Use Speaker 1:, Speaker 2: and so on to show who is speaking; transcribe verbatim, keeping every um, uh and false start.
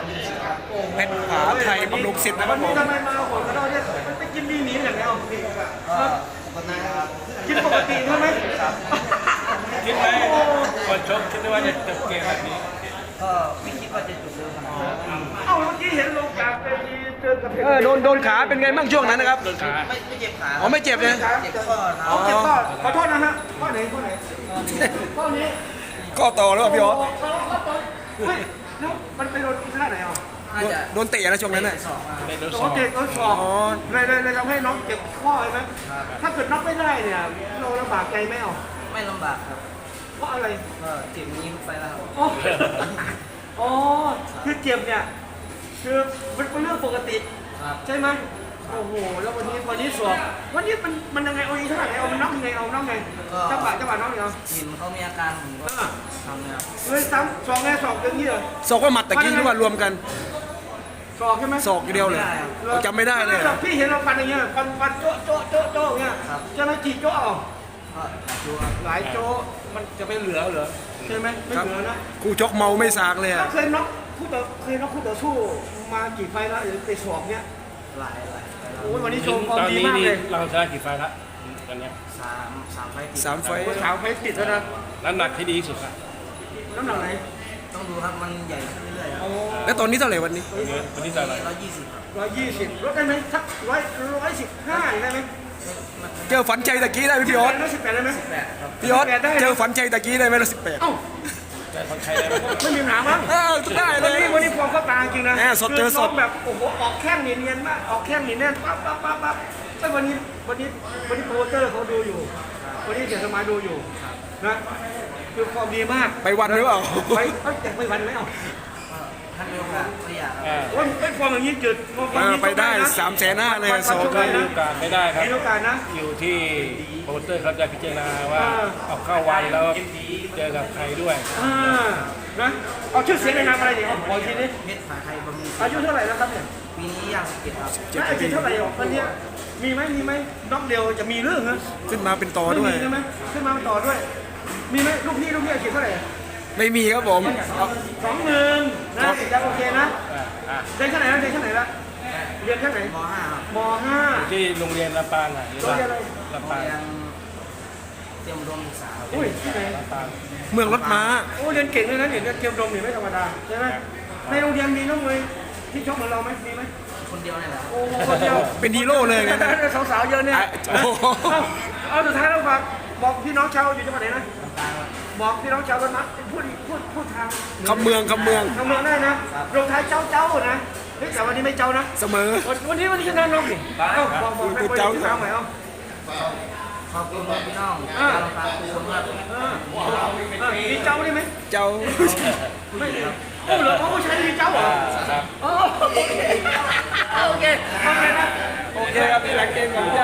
Speaker 1: เพชรผาไทยบำรุงศิษย์นะครับผม
Speaker 2: ทำไมมาโหดกระโดดเนี่ยมันไปกินดีหนีอย่างเดียว
Speaker 3: ก็ปกติครับ
Speaker 2: กินปกติใช่ไหม
Speaker 4: คิดไหมก่อนชกคิดว่าจะจบเกมแบบนี้
Speaker 3: ก็ไม่คิดว่าจะจบเร็วขนาดนี้
Speaker 2: เอ้าเมื่อกี้เห็นลงกลางไปเจอกับเพชร
Speaker 1: เออโดนโดนขาเป็นไงบ้างช่วงนั้นนะครับ
Speaker 4: โดนขา
Speaker 3: ไม่ไม่เจ็บขา
Speaker 1: อ๋อไม่เจ็บนะ
Speaker 3: เจ็บข้อนะ
Speaker 2: เอาเจ็บข้อขอโทษนะฮะข้อไหนข้อไหนข้อนี้
Speaker 1: ก็ต่อแล้วพี่ออส
Speaker 2: เฮ้ยแล้วมันไปโดนอีท่าไหนอ่ะ
Speaker 3: น่าจะ
Speaker 1: โดนเตะนะช่วงนั้นน่ะ
Speaker 3: สองมา
Speaker 4: เป็นโดน
Speaker 2: โด
Speaker 4: สอน ง
Speaker 2: เตะโดนศอกเลยเลยเลยทำให้น้องเจ็บข้อใช่ไหมถ้าเกิดน็อกไม่ได้เนี่ยเราลำบากใจไหมอ่ะ
Speaker 3: ไม่ลำบากครับ
Speaker 2: เพราะอะไร
Speaker 3: ก็เจ็บนี้ไปแล้วครับ
Speaker 2: อ๋ออ๋อคือเจ็บเนี่ยคือมันเป็นเรื่องปกติ
Speaker 3: ครับ
Speaker 2: ใช่ไหมโอ้โหแล้ววันนี้วันนี้สอบวันนี้มันมันยังไงเอาอีกเท่าไหร่เอามันน็อกยังไงเอาน็อกไงจังหวะจังหวะน็อกยังไง
Speaker 3: เห็นเขามีอาการผมก็ทำเลยครับ
Speaker 2: เฮ้ยซ้ำสองไงสองอย่างนี้เหรอ
Speaker 1: ศอกว่าหมัดตะกี้หรือว่ารวมกัน
Speaker 2: สอกใช่ไหม
Speaker 1: ศอกอย่างเดียวเลยเราจำไม่ได้เลย
Speaker 2: หรอกพี่เห็นเราฟันอย่างเงี้ยฟันฟันโจ๊ะโจ๊ะโจ๊ะโจ๊ะอย่างเงี้ยจะไม่กี่โจ๊ะเอา
Speaker 3: ก็ดูครับ
Speaker 2: หลายโจ๊ะมันจะไปเหลือเหรอใช่ไหมไม่เหลือนะ
Speaker 1: คู่ชกเมาไม่สากเลย
Speaker 2: แล้
Speaker 1: อะ
Speaker 2: วเคยน็อกคู่ต่อเคยน็อกคู่ต่อสู้มากี่ไฟล์แล้วหรือไปสอบเนี้ย
Speaker 3: หลายหลายไปแล้ว
Speaker 2: โอ้ยวันนี้โชว์ฟอ
Speaker 4: ต
Speaker 2: ร์ม
Speaker 4: อน
Speaker 2: ดี
Speaker 4: นี้
Speaker 2: มาก
Speaker 4: นี่
Speaker 2: เลย
Speaker 4: เราชนะกี่ไฟล์ละตอนเนี้ย
Speaker 3: สามสามไฟล์ติด
Speaker 1: สามไฟ
Speaker 2: โอ้ยสาวไฟล์ติดแล้วนะ
Speaker 4: น้ำหนักที่ดีที่สุดอะ
Speaker 2: น้ำหนักไหน
Speaker 3: ต้องดูครับมันใหญ่ขึ้นเรื่อยๆครับ
Speaker 2: โอ้
Speaker 1: แล้วตอนนี้เท่าไหร่วันนี้
Speaker 4: วันนี้วันนี้จะอะไร
Speaker 3: ร้อยยี่สิบครับ
Speaker 2: ร้อยยี่สิบลดได้ไหมสักร้อยร้อยสิบห้าได้ไหม
Speaker 1: เจอฝันใจตะกี้ได้ไหมพี่ออส
Speaker 2: ร้อยสิบแปดได้ไหม
Speaker 3: แปดครับ
Speaker 1: พี่ออสเจอฝันใจตะกี้ได้ไหมละสิบแปด
Speaker 2: เอ้า
Speaker 4: แต่คนไทยได้ไหม
Speaker 2: ไม่มีปัญหามั้ง
Speaker 1: เออได้เล
Speaker 2: วัน
Speaker 1: ย
Speaker 2: นี้วันนี้ฟอร์มเขาตางจริงนะ
Speaker 1: แหม่สดเจอสด
Speaker 2: คืน้งแบบโอ้โหออกแข้งเนียนๆมากออกแข้งเนียนๆปั๊บปั๊บปั๊บปั๊บไอ้วันนี้วันนี้วันนี้โปรโมเตอร์เขาดูอยู่ วันนี้เสียสมัยดูอยู่นะคือฟอร์มดีมาก
Speaker 1: ไปวันหรือเปล่า
Speaker 2: ไปเอ้ยแต่ไปวันไหมเอ้า
Speaker 3: ก็ท่านเดียวกันก็อยากครับ
Speaker 4: อ่า
Speaker 2: โอ้ยไอ้ฟอร์มอย่างนี้จืดฟอร์มอย่างนี้
Speaker 1: ไปได้
Speaker 2: นะ
Speaker 1: สามแสนห้าเลย
Speaker 2: วัน
Speaker 1: สอง
Speaker 2: วัน
Speaker 4: ก็
Speaker 2: วัน
Speaker 4: มี
Speaker 2: นะ
Speaker 4: โอกาสไม่ได้ครับ
Speaker 2: มีโอกาสนะ
Speaker 4: อยู่ที่โปรโมเตอร์เขาจะพิจารณาว่าเอาเข้าวันแล้วเจอกับใครด้วย
Speaker 2: อ่านะเอาชื่อเสียงในนามอะไรเนี่ยเอาขออีกทีนี้
Speaker 3: เพชรผาไทยบำรุง
Speaker 2: อายุเท่าไหร่แล้วครับเนี่ย
Speaker 3: ปีนี้ย่างสิบเจ็ดครับ
Speaker 2: แล้วอายุเท่าไหร่อ่ะวันเนี้ยมีไหมมีไหมน้องเดียวจะมีเรื่องเหรอ
Speaker 1: ขึ้นมาเป็นต่อ
Speaker 2: ไม่
Speaker 1: ด้วย
Speaker 2: มีใช่ไหมขึ้นมาต่อด้วย มีไหมลูกพี่ลูกพี่อาชีพเท่าไหร่
Speaker 1: ไม่มีครับผม
Speaker 2: สองหมื่นนะยังโอเคนะ
Speaker 4: อ่าอ่า
Speaker 2: เรียนชั้นไหนแล้วเรียนชั้นไหนแล้วเรียนชั้นไหน
Speaker 3: ม .ห้า ครับ
Speaker 2: มห้า
Speaker 4: ที่โรงเรียนลำปางอ่ะหรือว่าลำปาง
Speaker 3: เรียนเตรียมอุดมศึกษาครับ
Speaker 2: อุ้ยที่ไหน
Speaker 4: ลำปาง
Speaker 1: เมืองรถม้า
Speaker 2: โอ้เรียนเก่งเลยนะเนี่ยเรียนเตรียมดมเนี่ยไม่ธรรมดาใช่ไหมในโรงเรียนมีน้องมวยที่ชกเหมือนเราไหมมีไหม
Speaker 3: คนเดียวนี่แหละครับ
Speaker 2: โอ้คนเดียว
Speaker 1: เป็นฮีโร่เลยไงนะ
Speaker 2: สาวๆเยอะเนี่ย
Speaker 1: อ่ะโอ้โห
Speaker 2: เอาเอาสุดท้ายแล้วฝากบอกพี่น้องชาวอยู่จังหวัดไหนนะ
Speaker 3: ตามครับ
Speaker 2: บอกพี่น้องชาวบ้านมัดพูดพูดพูดทาง
Speaker 1: คำเมืองคำเมือง
Speaker 2: ทางเมืองได้นะลงท้ายเจ้าเจ้านะเฮ้ยแต่วันนี้ไม่เจ้านะ
Speaker 1: เสมอ
Speaker 2: วันวันนี้วันนี้ชนะน้องนี่เอ้าบอกบอกให้คน
Speaker 1: เจ้า
Speaker 2: ที่ถามหน่อยเอ้า
Speaker 3: ขอบคุณพี่น้องชาวลำปางทุกคนครับ
Speaker 2: เออเออมีเจ้าได้ไหม
Speaker 1: เจ้า
Speaker 2: ไม่โอ้เหรอเขาผู้ชายมีเจ้าเหรอ
Speaker 4: ครับ
Speaker 2: อ๋อโอเคโอเคโอเคนะ
Speaker 1: โอเคครับพี่หลังเกมก่อน